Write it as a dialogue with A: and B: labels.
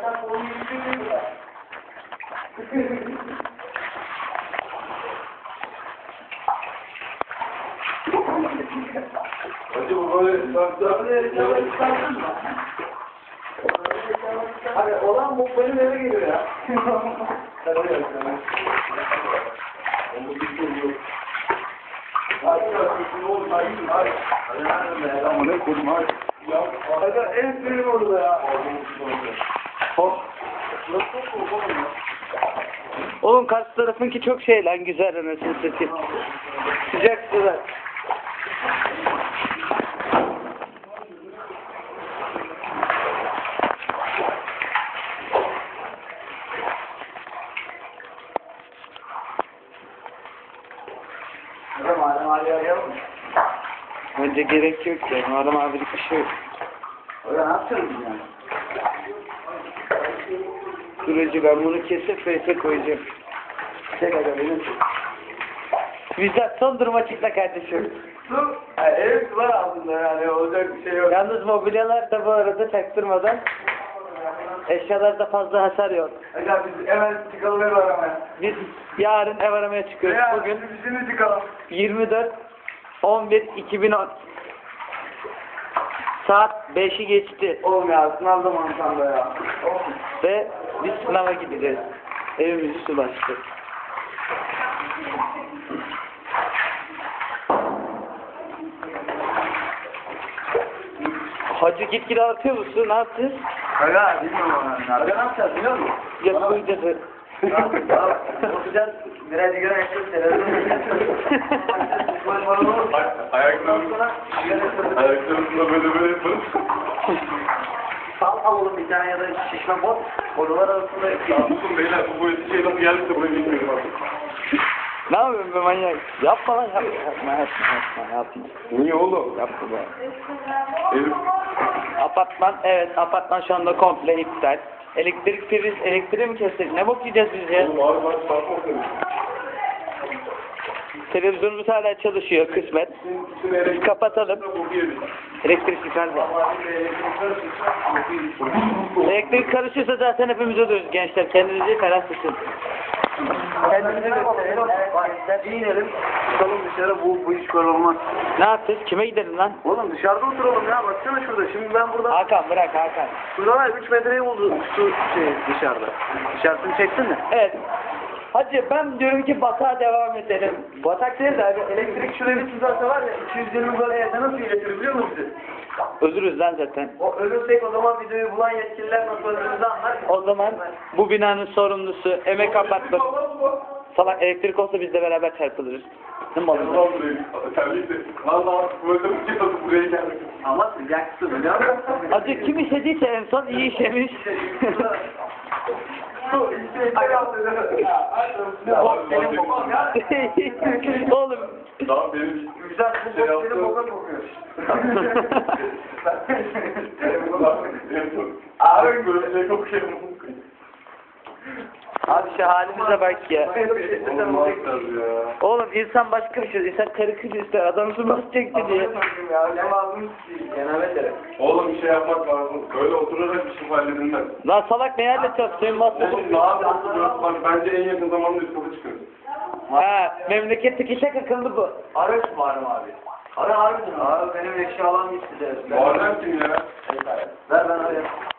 A: Hacı bu böyle sarsın mı? Hadi olan bu benim eve geliyor ya. Sen öyle yapıyorsun. Onu bilmiyorum. Hadi ne olur hadi. Hadi ne koydum hadi. Ya hadi en sinir orada ya.
B: Hop. Oğlum karşı tarafınki çok şey lan, güzel anasını satayım. Sıcak sıcak.
A: Madem abi arayalım.
B: Bence gerek yok ya. Madem abilik bir şey yok.
A: Öyle ne yapacağız yani?
B: Süreci ben bunu kesip face'e koyacağım.
A: Çek hadi benim.
B: Bizden son duruma çıkla kardeşim.
A: Su, ev var altında yani olacak bir şey yok.
B: Yalnız mobilyalar da bu arada çaktırmadan, eşyalarda fazla hasar yok.
A: Hadi biz hemen çıkalım ev aramaya.
B: Biz yarın ev aramaya çıkıyoruz.
A: Ya,
B: Bugün
A: bizim çıkalım.
B: 24/11/2010. Saat 5'i geçti
A: Oğlum ya sınav zamanı tam da ya. Oğlum.
B: ve biz sınava gideceğiz. Evimizi su bastı. Hacı gitgide artıyor musun? Ne yapacağız?
A: Aga bilmiyorum ona. Aga ne yapacağız biliyor musun?
B: Yapmayacağız.
A: Bakacağız. Biraz sigara içeceğiz. Televizyon
C: Ayaklarımızla böyle yaparız.
A: Sal alalım bir tane ya da şişme bot. Odalar arasında
C: Yaptım beyler, bu böyle şey nasıl geldiyse buraya bilmiyorum artık.
B: Ne yapıyorsun be manyak? Yapma lan, yapma. Yapma, yapma.
C: Niye oğlum?
B: Yapma be.
C: Elif,
B: Apartman, evet apartman şu anda komple iptal. Elektrik priz, elektriği mi kestik? Ne bok yiyeceğiz biz ya?
C: oğlum abi ben çarpma seni.
B: Televizyonumuz hala çalışıyor kısmet. Biz kapatalım. Elektrik yukarıda. Elektrik karışırsa zaten hepimiz ölürüz gençler. Kendinizi ferah tutun.
A: Kendimize gösterelim. Bak inelim. Çıkalım dışarı bu iş olmaz.
B: Ne yapacağız? Kime gidelim lan?
A: Oğlum dışarıda oturalım ya. Baksana şurada. Şimdi ben burada.
B: Hakan bırak Hakan.
A: Şurada var 3 metreyi buldu şu dışarıda. Dışarısını çektin mi?
B: Evet. Hacı ben diyorum ki batağa devam edelim.
A: Batak değil de abi. Elektrik şuraya bir tuzakta var ya. 220 böyle evde nasıl iletir biliyor musun bizi?
B: Ölürüz lan zaten.
A: O ölürsek o zaman videoyu bulan yetkililer nasıl öldüğümüzü anlar.
B: O zaman bu binanın sorumlusu emek apartman. Salak elektrik olsa biz de beraber çarpılırız. Ne mi
C: Ne oldu buraya? Terlikle. Valla böyle bir şey nasıl buraya geldik?
A: Ama sıcaksın biliyor musun?
B: Hacı kim işediyse en son iyi işemiş. Oğlum.
C: Daha benim
A: Güzel bu bok senin boka kokuyor.
C: Abi böyle şey kokuyor.
B: Abi şu halimize bak ya.
C: Olmaz tabii ya.
B: Oğlum insan başka bir şey. İnsan karı kız ister. Adam su basacaktı diye.
C: Oğlum bir şey yapmak lazım. Böyle oturarak bir şey halledilmez.
B: Lan salak ne halledeceğiz? Suyun basması.
C: Oğlum ne yapıyorsun burası? Bak bence en yakın zamanda üst kata çıkıyoruz.
B: Ha, memleketteki şak akıllı bu.
A: Ara şu var mı abi? Ara abi. Abi benim eşyalarım gitti de.
C: Muharrem kim ya?
A: Ver ben arayayım.